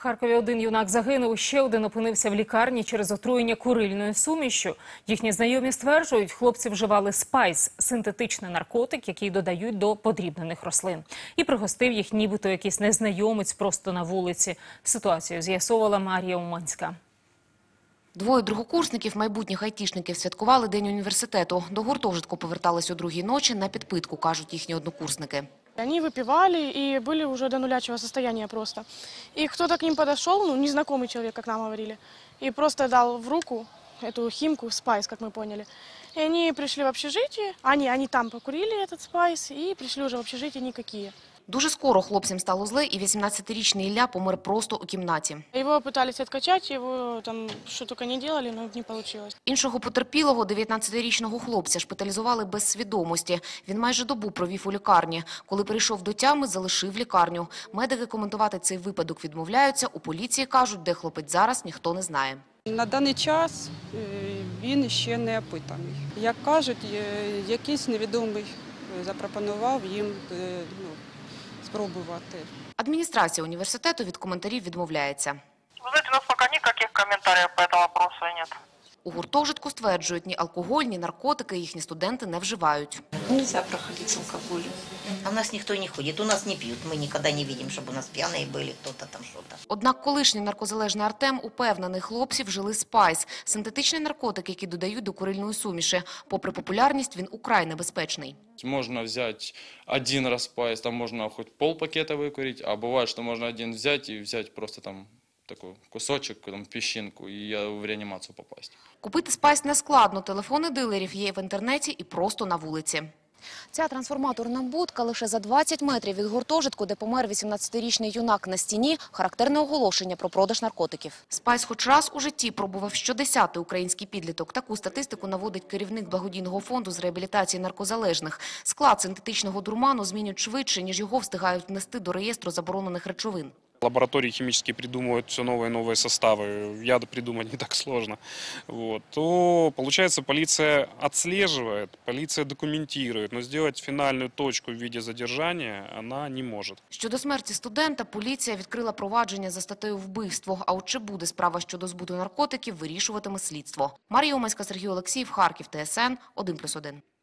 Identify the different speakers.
Speaker 1: Харкові один юнак загинув, ще один опинився в лікарні через отруєння курильною сумішшю. Їхні знайомі стверджують, хлопці вживали спайс – синтетичний наркотик, який додають до подрібнених рослин. І пригостив їх нібито якийсь незнайомець просто на вулиці. Ситуацію з'ясовувала Марія Уманська.
Speaker 2: Двоє другокурсників, майбутніх айтішників, святкували День університету. До гуртожитку повертались о 2-й ночі на підпитку, кажуть їхні однокурсники.
Speaker 3: Они выпивали и были уже до нулячего состояния просто. И кто-то к ним подошел, незнакомый человек, как нам говорили, и просто дал в руку эту химку, спайс, как мы поняли. И они пришли в общежитие, они там покурили этот спайс и пришли уже в общежитие никакие.
Speaker 2: Дуже скоро хлопцям стало зле, і 18-річний Ілля помер просто у кімнаті.
Speaker 3: Его пытались откачать, его там что только не делали, но не получилось.
Speaker 2: Іншого потерпілого, 19-річного хлопця, шпиталізували без свідомості. Він майже добу провів у лікарні. Коли прийшов до тями, залишив лікарню. Медики коментувати цей випадок відмовляються. У поліції кажуть, де хлопець зараз, ніхто не знає.
Speaker 4: На даний час він ще не опитаний. Як кажуть, якийсь невідомий запропонував їм спробувати.
Speaker 2: Адміністрація університету від коментарів відмовляється.
Speaker 5: Вы знаете, у нас пока никаких комментариев по этому вопросу нет.
Speaker 2: У гуртожитку стверджують, ні алкоголь, ні наркотики їхні студенти не вживають.
Speaker 6: Нельзя проходить с алкоголем. А у нас никто не ходит, у нас не пьют. Мы никогда не видим, чтобы у нас пьяные были, кто-то там что-то.
Speaker 2: Однак колишній наркозалежний Артем упевнений, хлопці вжили спайс – синтетичний наркотик, який додають до курильної суміші. Попри популярність, він украй небезпечний.
Speaker 7: Можно взять один раз спайс, там можно хоть полпакета выкурить, а бывает, что можно один взять и взять просто там такой кусочек, там, песчинку, и в реанимацию попасть.
Speaker 2: Купити спайс нескладно. Телефони дилерів є в інтернеті і просто на вулиці. Ця трансформаторна будка лише за 20 метрів від гуртожитку, де помер 18-річний юнак. На стіні – характерне оголошення про продаж наркотиків. Спайс хоч раз у житті пробував щодесятий український підліток. Таку статистику наводить керівник благодійного фонду з реабілітації наркозалежних. Склад синтетичного дурману змінюють швидше, ніж його встигають внести до реєстру заборонених речовин.
Speaker 8: Лаборатории химические придумывают все новые и новые составы, яды придумать не так сложно. То, получается, полиция отслеживает, полиция документирует, но сделать финальную точку в виде задержания она не может.
Speaker 2: Щодо смерті студента, поліція відкрила провадження за статтею вбивство. А от чи буде справа щодо збуту наркотиків, вирішуватиме слідство. Марія Уманська, Сергій Олексіїв, Харків, ТСН 1+1.